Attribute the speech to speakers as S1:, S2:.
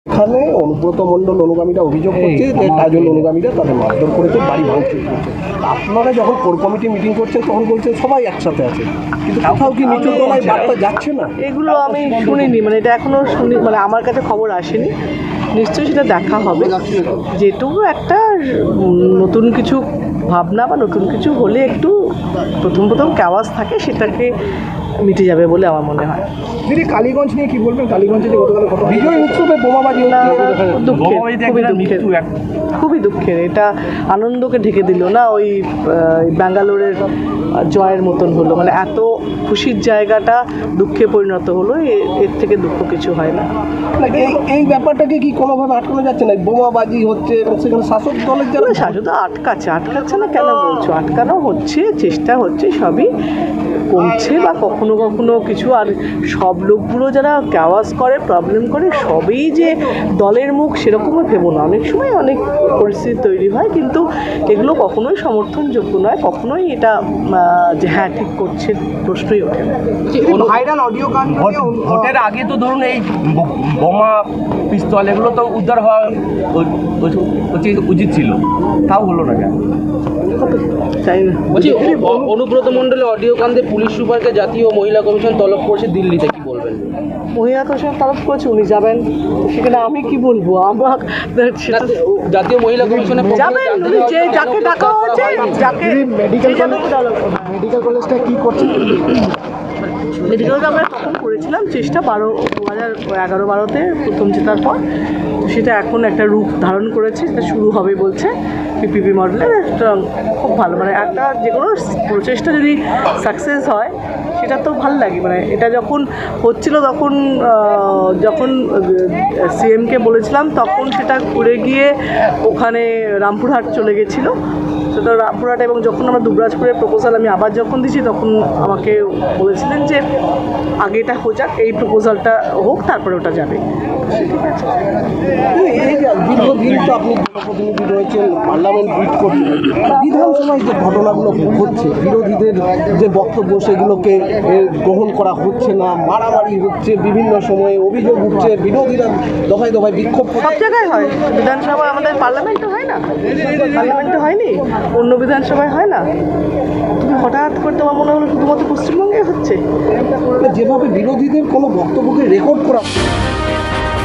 S1: এখানে অনুব্রত মণ্ডল অনুগামীরা অভিযোগ করছে যে কাজল অনুগামীরা তাদের মারধর করেছে, বাড়ি ভাঙচুর করছে। আপনারা যখন কোর কমিটি মিটিং করছেন তখন বলছেন সবাই একসাথে আছে, কিন্তু কোথাও কি নিচু তলায় বার্তা যাচ্ছে না?
S2: এগুলো আমি শুনিনি, মানে এটা এখনও শুনি, মানে আমার কাছে খবর আসেনি। নিশ্চয়ই সেটা দেখা হবে। যেটুকু একটা নতুন কিছু ভাবনা বা নতুন কিছু হলে একটু প্রথম ক্যাওয়াজ থাকে, সেটাকে মিটে যাবে বলে আমার মনে হয়।
S1: দিদি, কালীগঞ্জ নিয়ে কি বলবেন? কালীগঞ্জে যে গতকাল বিজয় উৎসবে বোমাবাজি
S2: খুবই দুঃখের। এটা আনন্দকে ঢেকে দিল না, ওই ব্যাঙ্গালোরের জয়ের মতন হলো। মানে এত খুশির জায়গাটা দুঃখে পরিণত হলো, এর থেকে দুঃখ কিছু হয় না।
S1: এই ব্যাপারটাকে কি কোনোভাবে আটকানো যাচ্ছে না? বোমাবাজি হচ্ছে এবং সেখানে শাসক দলের যারা
S2: শাসক আটকাচ্ছে না কেন বলছো? আটকানো হচ্ছে, চেষ্টা হচ্ছে, সবই কমছে বা কখনো কখনো কিছু। আর সব লোকগুলো যারা ক্যাওয়াজ করে, প্রবলেম করে, সবই যে দলের মুখ সেরকমও ভেবো না। অনেক সময় অনেক পরিস্থিতি তৈরি হয়, কিন্তু এগুলো কখনোই সমর্থনযোগ্য নয়। কখনোই এটা যে হ্যাঁ ঠিক করছে প্রশ্নই ওঠে না।
S1: ভাইরাল অডিও গান ভোটের আগে তো ধরুন এই বোমা পিস্তল এগুলো তো উদ্ধার হওয়া উচিত ছিল, তাও হলো না কেন?
S2: তাই না?
S3: বলছি, অনুব্রত মণ্ডলের অডিও কাণ্ডে পুলিশ সুপারকে জাতীয় মহিলা কমিশন তলব করেছে দিল্লিতে, কি বলবেন?
S2: মহিলা কমিশন তরফ করেছে, উনি যাবেন, সেখানে আমি কি বলবো? আমার
S3: জাতীয় মহিলা কমিশনে
S2: যাবেন, উনি যে যাকে ডাকা হয়েছে, যাকে মেডিকেল
S1: কলেজটা কি করছে?
S2: মেডিকেলটা আমরা তখন করেছিলাম চেষ্টা 2011-12-তে প্রথম জেতার পর। তো সেটা এখন একটা রূপ ধারণ করেছে, সেটা শুরু হবে বলছে পিপিপি মডেলের। একটা খুব ভালো, মানে একটা যে কোনো প্রচেষ্টা যদি সাকসেস হয় সেটা তো ভালো লাগে। মানে এটা যখন হচ্ছিল যখন সিএমকে বলেছিলাম, তখন সেটা ঘুরে গিয়ে ওখানে রামপুরহাট চলে গেছিলো। সেটা রামপুরহাট, এবং যখন আমরা দুবরাজপুরের প্রপোজাল আমি আবার যখন দিয়েছি, তখন আমাকে বলেছিলেন যে আগে এটা হয়ে যাক, এই প্রপোজালটা হোক, তারপরে ওটা যাবে। ঠিক আছে,
S1: দীর্ঘদিন তো আপনি জনপ্রতিনিধি রয়েছেন, পার্লামেন্ট লিড করছেন, বিধানসভায় যে ঘটনাগুলো ঘটছে, বিরোধীদের যে বক্তব্য সেগুলোকে গ্রহণ করা হচ্ছে না, মারামারি হচ্ছে, বিভিন্ন সময়ে অভিযোগ উঠছে, বিরোধীরা দফায় দফায় বিক্ষোভ।
S2: সব জায়গায় হয়, বিধানসভা আমাদের পার্লামেন্টে হয় না? পার্লামেন্টে হয়নি, অন্য বিধানসভায় হয় না? তুমি হঠাৎ করে তোমার মনে হলো শুধুমাত্র পশ্চিমবঙ্গে হচ্ছে?
S1: যেভাবে বিরোধীদের কোনো বক্তব্যকে রেকর্ড করা